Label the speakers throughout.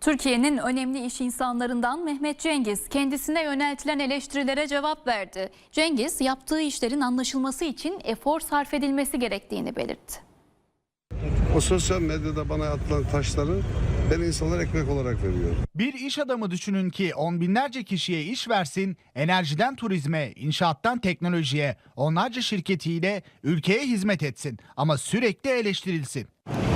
Speaker 1: Türkiye'nin önemli iş insanlarından Mehmet Cengiz kendisine yöneltilen eleştirilere cevap verdi. Cengiz yaptığı işlerin anlaşılması için efor sarf edilmesi gerektiğini belirtti.
Speaker 2: O sosyal medyada bana atılan taşları ben insanlara ekmek olarak veriyorum.
Speaker 3: Bir iş adamı düşünün ki on binlerce kişiye iş versin, enerjiden turizme, inşaattan teknolojiye, onlarca şirketiyle ülkeye hizmet etsin ama sürekli eleştirilsin.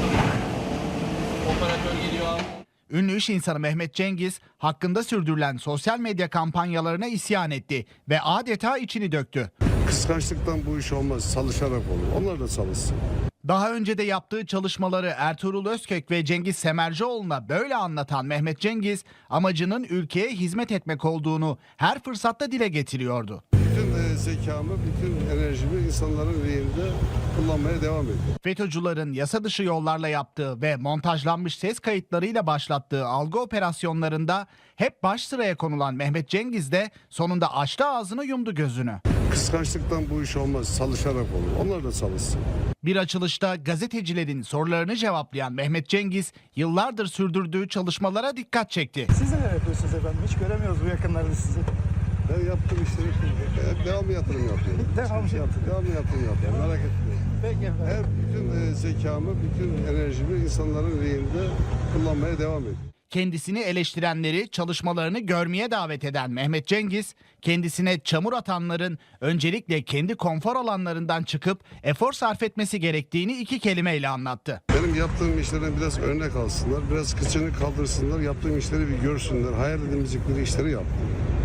Speaker 4: Operatör geliyor.
Speaker 3: Ünlü iş insanı Mehmet Cengiz hakkında sürdürülen sosyal medya kampanyalarına isyan etti ve adeta içini döktü.
Speaker 2: Kıskançlıktan bu iş olmaz, çalışarak olur. Onlar da çalışsın.
Speaker 3: Daha önce de yaptığı çalışmaları Ertuğrul Özkök ve Cengiz Semercioğlu'na böyle anlatan Mehmet Cengiz, amacının ülkeye hizmet etmek olduğunu her fırsatta dile getiriyordu.
Speaker 2: Bütün zekamı, bütün enerjimi insanların lehinde kullanmaya devam ediyorum.
Speaker 3: FETÖ'cülerin yasa dışı yollarla yaptığı ve montajlanmış ses kayıtlarıyla başlattığı algı operasyonlarında hep baş sıraya konulan Mehmet Cengiz de sonunda açtı ağzını, yumdu gözünü.
Speaker 2: Kıskançlıktan bu iş olmaz, çalışarak olur. Onlar da çalışsın.
Speaker 3: Bir açılışta gazetecilerin sorularını cevaplayan Mehmet Cengiz yıllardır sürdürdüğü çalışmalara dikkat çekti.
Speaker 5: Siz neler yapıyorsunuz efendim? Hiç göremiyoruz bu yakınlarda sizi.
Speaker 2: Ben yaptığım işleri devamlı yatırım yapıyorum. Devamlı yatırım yapıyorum. Merak etmeyin.
Speaker 5: Peki efendim.
Speaker 2: Her bütün zekamı, bütün enerjimi insanların lehinde kullanmaya devam ediyorum.
Speaker 3: Kendisini eleştirenleri çalışmalarını görmeye davet eden Mehmet Cengiz, kendisine çamur atanların öncelikle kendi konfor alanlarından çıkıp efor sarf etmesi gerektiğini iki kelimeyle anlattı.
Speaker 2: Benim yaptığım işlerden biraz örnek alsınlar, biraz kıçını kaldırsınlar, yaptığım işleri bir görsünler. Hayal edemeyecekleri işleri yaptım.